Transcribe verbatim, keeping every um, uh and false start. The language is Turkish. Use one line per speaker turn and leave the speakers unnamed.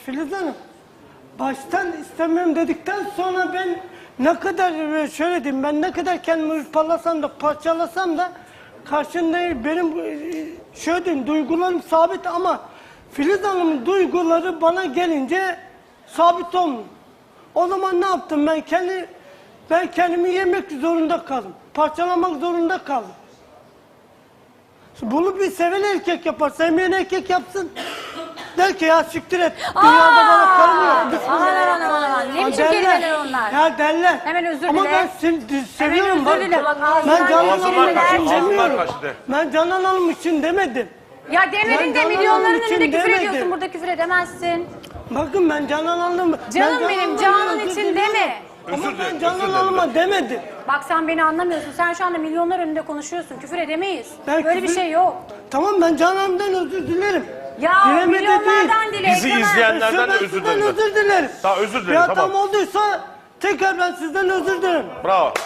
Filiz Hanım, baştan istemiyorum dedikten sonra ben ne kadar şöyle diyeyim, ben ne kadar kendimi hırpalasam da parçalasam da karşında benim şöyle diyeyim, duygularım sabit ama Filiz Hanım'ın duyguları bana gelince sabit olmuyor. O zaman ne yaptım ben? Kendi, ben kendimi yemek zorunda kaldım. Parçalamak zorunda kaldım. Bunu bir seven erkek yapar, sevmeyen erkek yapsın. Der ki ya siktir et, dünyada bana karım yok.
Aman aman aman aman. Ne biçim kelimeler onlar?
Ya derler.
Hemen özür
Ama
dile.
ben se seviyorum.
Hemen özür dile. Bak, ağzından
Ben Canan
geçen
Hanım
kelimeler-
için
Ağzından
demiyorum.
kaçtı.
Ben Canan Hanım için demedim.
Ya demedin
Ben
de
Canan
milyonların
Hanım için
önünde küfür
demedim.
ediyorsun. Burada küfür edemezsin.
Bakın ben Canan Hanım... ben
Canım
Canan
benim,
Hanım'a
Canan
özür
için
diliyorum.
deme.
Ama
Özür dilerim,
ben Canan
özür dilerim.
Hanım'a demedim.
Bak sen beni anlamıyorsun. Sen şu anda milyonlar önünde konuşuyorsun. Küfür edemeyiz.
Ben
Böyle bir
küfür-
şey yok.
Tamam ben Canan Hanım'dan özür dilerim.
Ya
Dilemedi
milyonlardan
değil.
dile.
Bizi
ekrana.
izleyenlerden de
Ben
özür
sizden
dilerim.
özür dilerim.
Tamam, özür dilerim,
Bir hatam
tamam.
olduysa tekrar ben sizden özür dilerim.
Bravo.